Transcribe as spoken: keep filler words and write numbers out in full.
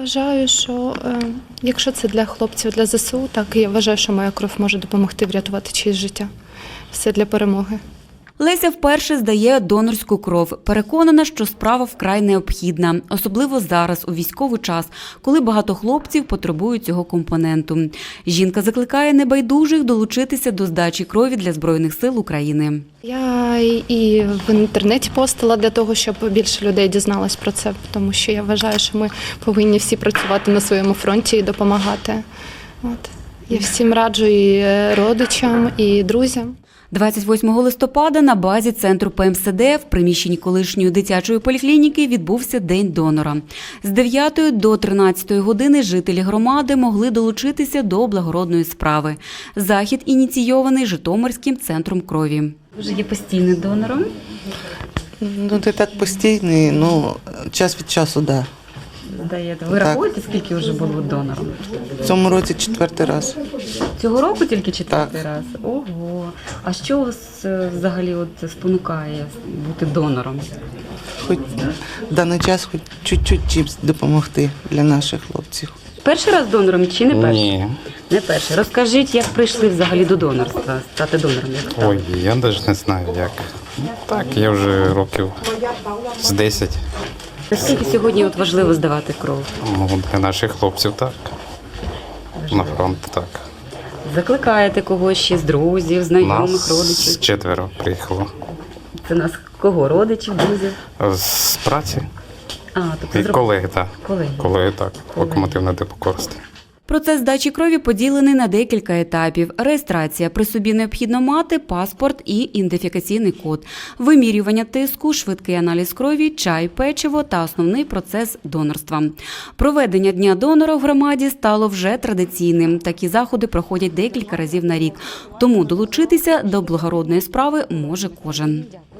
вважаю, що е, якщо це для хлопців, для зе се у, так я вважаю, що моя кров може допомогти врятувати чиєсь життя. Все для перемоги. Леся вперше здає донорську кров. Переконана, що справа вкрай необхідна, особливо зараз, у військовий час, коли багато хлопців потребують цього компоненту. Жінка закликає небайдужих долучитися до здачі крові для Збройних сил України. Я і в інтернеті постила для того, щоб більше людей дізналось про це, тому що я вважаю, що ми повинні всі працювати на своєму фронті і допомагати. От. Я всім раджу і родичам, і друзям. двадцять восьмого листопада на базі центру пе ем се де в приміщенні колишньої дитячої поліклініки відбувся День донора. З дев'ятої до тринадцятої години жителі громади могли долучитися до благородної справи. Захід ініційований Житомирським центром крові. Ви ж є постійним донором? Ну, не так постійний, ну, час від часу, так. Да. Здаєте. Ви Так. рахуєте, скільки вже було донором? В цьому році четвертий раз. Цього року тільки четвертий Так. раз? Ого! А що вас е, взагалі от спонукає бути донором? Хоч в даний час хоч чуть-чуть чимось допомогти для наших хлопців. Перший раз донором чи не перший? Ні. Не перший. Розкажіть, як прийшли взагалі до донорства, стати донором? Як стали? Ой, я навіть не знаю як. Ну, так, я вже років з десять. Наскільки сьогодні от важливо здавати кров? Ну, для наших хлопців так. На фронт так. Закликаєте когось ще з друзів, знайомих, Нас родичів? четверо приїхало. Це нас кого? Родичів, друзів? З праці А, тобто і зроб- колеги, так. Колеги. Колеги, так. Локомотивне депо Корсти. Процес здачі крові поділений на декілька етапів. Реєстрація. При собі необхідно мати паспорт і ідентифікаційний код. Вимірювання тиску, швидкий аналіз крові, чай, печиво та основний процес донорства. Проведення Дня донора в громаді стало вже традиційним. Такі заходи проходять декілька разів на рік. Тому долучитися до благородної справи може кожен.